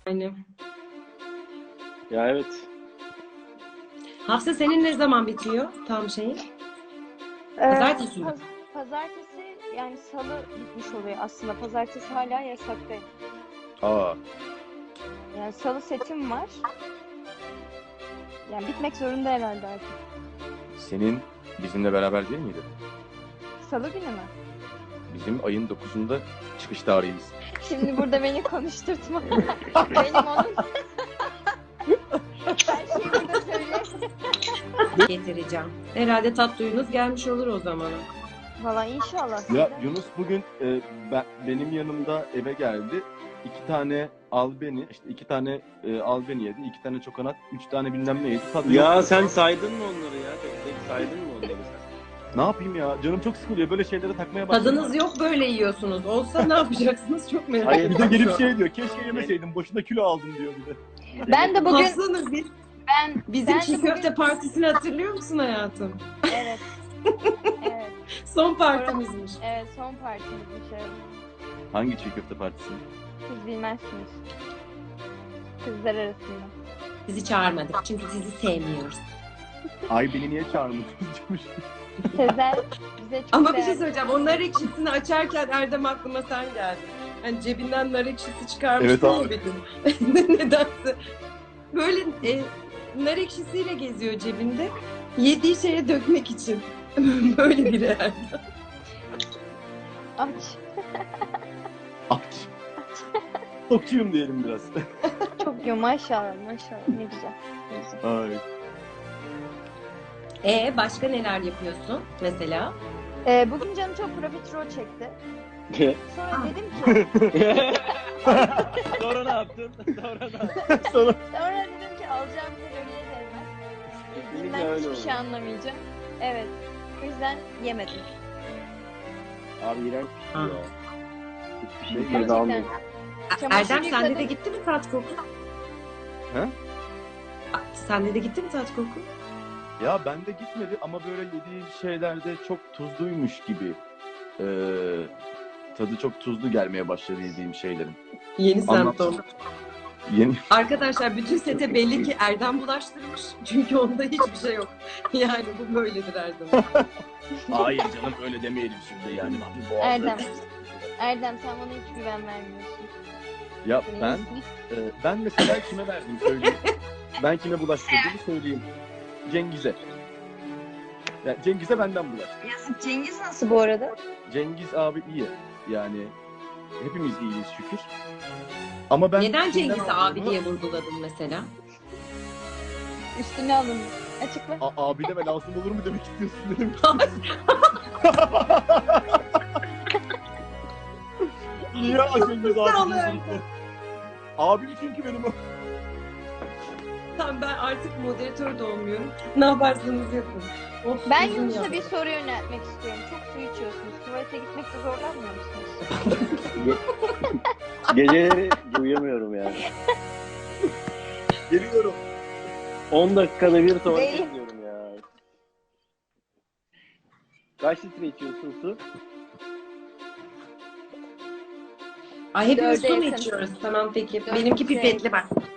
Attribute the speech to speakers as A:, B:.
A: Yani.
B: Ya evet.
A: Hafsa senin ne zaman bitiyor tam şeyin?
C: Ee,
A: Pazartesi mi?
C: Pazartesi yani salı bitmiş oluyor aslında. Pazartesi hala yasaktayım.
B: Aa.
C: Yani salı setim var. Yani bitmek zorunda herhalde artık.
B: Senin bizimle beraber değil miydi?
C: Salı günü mü?
B: Bizim ayın 9'unda çıkış tarihimiz.
C: Şimdi burada beni konuşturtma. Benim onun... Her şeyi burada söyle.
A: Getireceğim. Herhalde tatlıyınız gelmiş olur o zaman.
C: Valla inşallah.
B: Ya Yunus bugün benim yanımda eve geldi. 2 tane albeni, işte 2 tane albeni yedi, 2 tane çokonat, 3 tane bilmem ne yedi. Tadı
D: Ya
B: yok.
D: sen saydın mı onları ya? Tek tek saydın mı onları sen?
B: Ne yapayım ya? Canım çok sıkılıyor. Böyle şeylere takmaya başladım.
A: Tadınız yok böyle yiyorsunuz. Olsa ne yapacaksınız çok merak
D: Hayır,
A: ediyorum.
B: Bir de gelip şey diyor. Keşke yemeseydim. Boşuna kilo aldım diyor bir de.
C: Ben de bugün...
A: Hafsanız bizim
C: ben de
A: çiğ
C: bugün-
A: köfte partisini hatırlıyor musun hayatım?
C: Evet. Evet.
A: Son partimizmiş.
C: Evet son partimizmiş. Evet.
B: Hangi çiğ köfte partisi?
C: Siz bilmezsiniz. Kızlar arasında.
A: Bizi çağırmadık çünkü sizi sevmiyoruz.
B: Ay beni niye çağırmadınız?
C: Sezer bize çok
A: Ama bir şey
C: değerli.
A: söyleyeceğim. O nar ekşisini açarken Erdem aklıma sen geldin. Hani cebinden nar ekşisi çıkarmış
B: Evet abi.
A: bir gün. Nedense. Böyle nar ekşisiyle geziyor cebinde. Yediği şeye dökmek için. Böyle biri Erdem.
C: Aç.
B: Aç. Tokçuyum diyelim biraz.
C: Çok iyi maşallah maşallah ne güzel. Ne güzel.
B: Ay.
A: Başka neler yapıyorsun mesela?
C: Bugün canım çok profiterol çekti. Sonra dedim ki
D: Sonra ne yaptın? Sonra ne yaptın?
C: sonra dedim ki alacağım kaloriye değmez.
D: Kesinlikle
C: Ben
D: öyle
C: hiçbir
D: oldu.
C: şey anlamayacağım. Evet. O yüzden yemedim.
D: Abi iğrenç bir şey
A: Ha.
D: ya. Hiçbir şey
C: Gerçekten.
D: geri almıyorum.
C: Çamaşır
A: Erdem sende
C: yıkadım.
A: de gitti mi tat koku?
B: He?
A: Sende de gitti mi tat koku?
B: Ya bende gitmedi ama böyle yediğim şeylerde çok tuzluymuş gibi. Tadı çok tuzlu gelmeye başladı yediğim şeylerin.
A: Yeni
B: Anlat.
A: semptom.
B: Yeni...
A: Arkadaşlar bütün sete belli ki Erdem bulaştırmış. Çünkü onda hiçbir şey yok. Yani bu böyledir Erdem.
B: Hayır canım öyle demeyelim şimdi yani.
C: Erdem. Erdem sen bana hiç güven vermiyorsun.
B: Ya ben mesela kime verdim söyleyeyim. Ben kime bulaştırdığımı söyleyeyim. Cengiz'e. Yani Cengiz'e benden bulaştı.
C: Cengiz nasıl bu arada?
B: Cengiz abi iyi. Yani hepimiz iyiyiz şükür. Ama ben
A: Neden
B: kimden
A: Cengiz'i abi
B: aldığımı-
A: diye vurguladın mesela?
C: Üstüne alın. Açıkla.
B: Abi deme lazım olur mu demek istiyorsun dedim. Niye Cengiz abi
A: Sağ ol
B: diyorsun?
A: Erdem.
B: Abim çünkü benim o.
A: Tamam ben artık moderatör de olmuyorum. Ne yaparsanız yapın. Of,
C: Ben
A: uzun
C: Yunus'a
A: ya.
C: bir soru yöneltmek istiyorum. Çok su içiyorsunuz. Tuvalete gitmekte zorlanmıyor musunuz?
D: Geceleri uyuyamıyorum yani.
B: Geliyorum.
D: 10 dakikada bir tuvalete
C: Değil.
D: gidiyorum ya. Kaç litre içiyorsun su?
A: Ay hepimiz
C: Dörde
A: su mu
C: yakın.
A: içiyoruz? Tamam peki.
C: Dört
A: Benimki
C: litre.
A: pipetli bak.